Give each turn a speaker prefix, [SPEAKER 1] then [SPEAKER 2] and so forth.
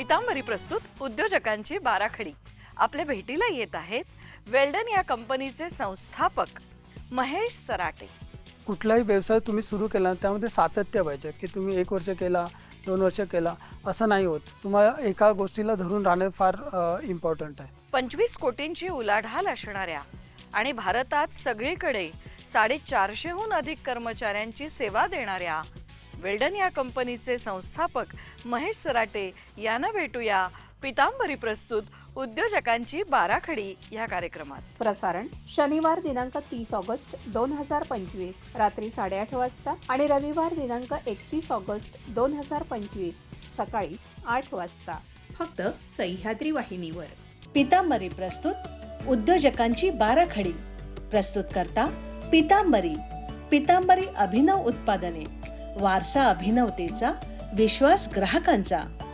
[SPEAKER 1] पितांबरी प्रस्तुत उद्योजकांची बाराखडी आपल्या भेटीला येत आहेत वेल्डन या कंपनीचे संस्थापक महेश सराटे।
[SPEAKER 2] कुठलाही व्यवसाय तुम्ही सुरू केला त्यामध्ये सातत्य पाहिजे की तुम्ही 1 वर्ष केला 2 वर्ष केला असं नाही होत। तुम्हाला एका गोष्टीला धरून राहणे फार इम्पॉर्टंट आहे।
[SPEAKER 1] 25 कोटींची उलाढाल असणाऱ्या आणि भारतात सगळीकडे 450हून अधिक कर्मचाऱ्यांची सेवा देणाऱ्या वेल्डन या कंपनीचे संस्थापक महेश सराटे यांना भेटूया पितांबरी प्रस्तुत उद्योजकांची बाराखडी या कार्यक्रमात।
[SPEAKER 3] प्रसारण शनिवार दिनांक 30 ऑगस्ट 2025 रात्री 8:30 वाजता आणि रविवार दिनांक 31 ऑगस्ट 2025 सकाळी 8 वाजता
[SPEAKER 4] फक्त सह्याद्री वाहिनीवर। पितांबरी प्रस्तुत उद्योजकांची बाराखडी। प्रस्तुत करता पितांबरी। पितांबरी अभिनव उत्पादने, वारसा अभिनवतेचा, विश्वास ग्राहकांचा।